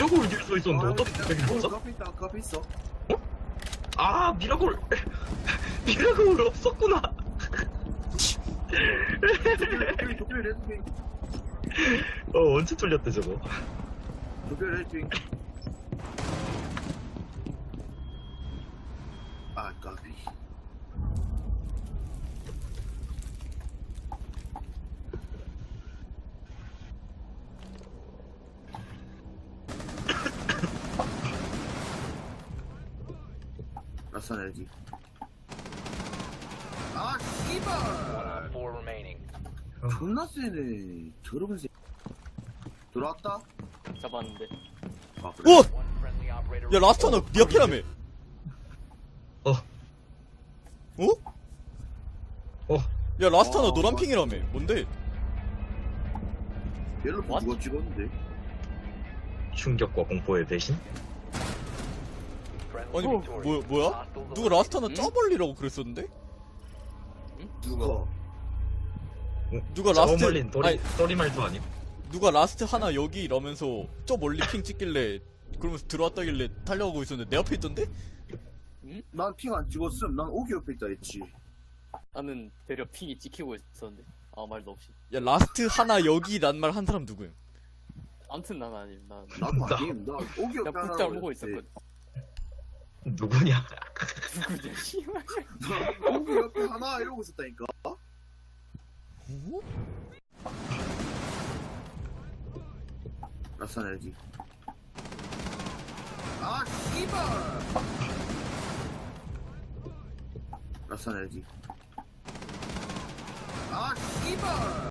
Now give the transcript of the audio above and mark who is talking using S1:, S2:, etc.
S1: 미라골 뒤에 서 있었는데 어떻게 여기
S2: 그
S1: 있었어?
S2: 앞에 있다. 그 앞에 있어.
S1: 아 미라골 미라골 없었구나.
S2: 도쿄 레드핑.
S1: 언제 뚫렸대 저거?
S2: 도쿄 레드핑. 아 까비. 라산 LG. 아 씨발.
S3: Four remaining.
S2: 존나 세네. 저러면 세. 들어왔다.
S4: 잡았는데.
S2: 아 그래.
S5: 오!
S3: One friendly operator.
S5: 야 라스타 너 니 앞이라며.
S1: 어.
S5: 어?
S1: 어.
S5: 야 라스타 너
S2: 어,
S5: 노란핑이라며. 뭔데?
S2: 얘를
S4: What?
S2: 누가 찍었는데?
S1: 충격과 공포의 배신?
S3: Friendly
S5: 아니
S3: victorious.
S5: 뭐야?
S3: Hostiles
S5: 누가 라스타나 저 멀리라고 그랬었는데?
S2: 누가?
S5: 누가
S1: 저
S5: 라스트
S1: 멀린
S5: 아니
S1: 소리말도 아니고.
S5: 누가 라스트 하나 여기 이러면서 저 멀리 핑 찍길래 그러면서 들어왔다길래 달려가고 있었는데 내 앞에 있던데?
S2: 난 핑 안 찍었음. 난 오기 옆에 있다 했지.
S4: 나는 대려 핑이 찍히고 있었는데 아무 말도 없이.
S5: 야 라스트 하나 여기 난 말 한 사람 누구야?
S4: 아무튼 난 아님. 난
S2: 나도 아님. 나 오기 옆에
S4: 그냥
S2: 하나.
S4: 북잘 보고 있었거든.
S1: 누구냐?
S4: 누구냐 씨발.
S2: 나 오기 옆에 하나 이러고 있었다니까.
S5: 어?
S2: 라산 LG. 아 씨발. 라산 LG. 아 씨발.